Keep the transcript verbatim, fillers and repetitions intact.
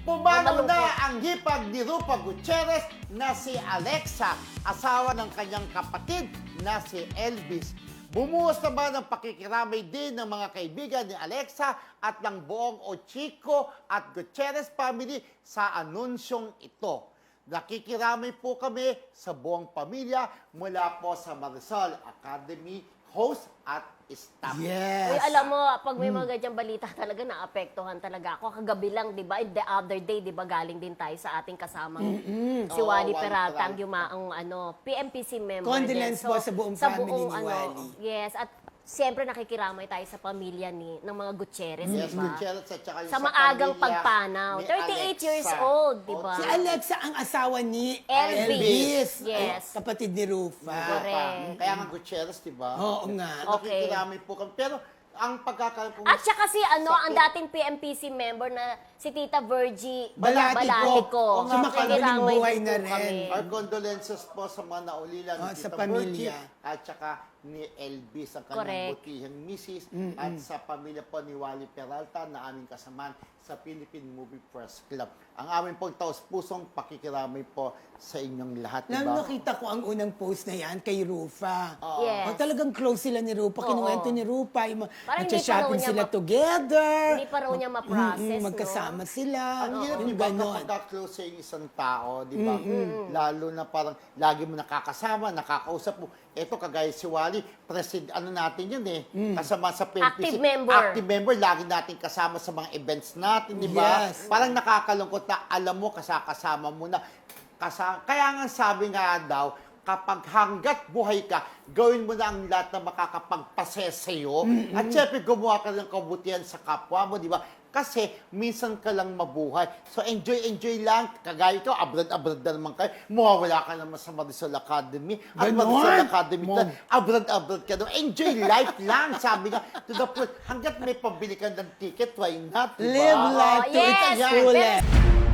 Pumanaw Malungkot. na ang hipag ni Rupa Gutierrez na si Alexa, asawa ng kanyang kapatid na si Elvis. Bumuhos naman ang pakikiramay din ng mga kaibigan ni Alexa at ng buong Ochico at Gutierrez family sa anunsyong ito. Nakikiramay po kami sa buong pamilya mula po sa Marisol Academy host at staff. Yes. Uy, alam mo, pag may mga ganyang balita talaga, naapektuhan talaga ako. Kagabi lang, di ba? The other day, di ba, galing din tayo sa ating kasamang si Oo, Wally Wally Peralta, ang Peralta. yumaang ano, P M P C member Condolence din. po sa buong family ni ano, Wally. Yes, at siyempre nakikiramay tayo sa pamilya ni ng mga Gutierrez, Yes, di ba? Gutierrez at saka yung Sa maagang pamilya pagpanaw. ni thirty-eight Alexa. years old, di ba? Si Alexa ang asawa ni Elvis. Elvis. Yes. Ay, kapatid ni Rufa. Correct. Kaya nga Gutierrez, di ba? Oo nga. Okay. Nakikiramay po kami. Pero ang pagkakaroon po... At saka si ano, Sa- ang dating P M P C member na si Tita Virgie Balatico. Balatico. Oo nga, Sumakabiling Nakikiramay buhay din na po kami. rin. Our condolences po sa mga naulilan Oh, ni sa Tita pamilya. Virgie at saka ni Elvis, ang kanyang Correct. butihang misis, at sa pamilya po ni Wally Peralta na aming kasamaan sa Philippine Movie Press Club. Ang aming pong taos-pusong pakikiramay po sa inyong lahat, di Nang ba? nakita ko ang unang post na yan kay Rufa. Yes. Oh, talagang close sila ni Rufa. Oo. Kinuwento ni Rufa. Yung mga- Parang hindi pa raw nagsha-shopping niya sila ma- together. Hindi pa raw niya ma-process, Mm-mm, no? magkasama sila. Ang hirap, Yung di ba, ganon. kapag close sa isang tao, di ba? Lalo na parang lagi mo nakakasama, nakakausap mo. Ito, kagaya si Wally, president, ano natin yun eh, kasama sa P M P C. Active member. Active member, lagi natin kasama sa mga events natin, di ba? Yes. Parang nakakalungkot na alam mo, kasakasama mo na. Kasa Kaya nga sabi nga daw, kapag hanggat buhay ka, gawin mo na ang lahat na makakapagpasaya sa'yo. At syempre, gumawa ka ng kabutihan sa kapwa mo, di ba? Kasi minsan ka lang mabuhay. So enjoy, enjoy lang. Kagaya ko, abroad-abroad na naman kayo. Mawawala ka naman sa Marisol Academy. At Ganon? Marisol Academy Mom. na, abroad-abroad ka doon. Enjoy life lang, sabi nga. To the point, hanggat may pabili ka ng ticket, why not? Diba? Live life Oh, to its yes. fullest. Pero-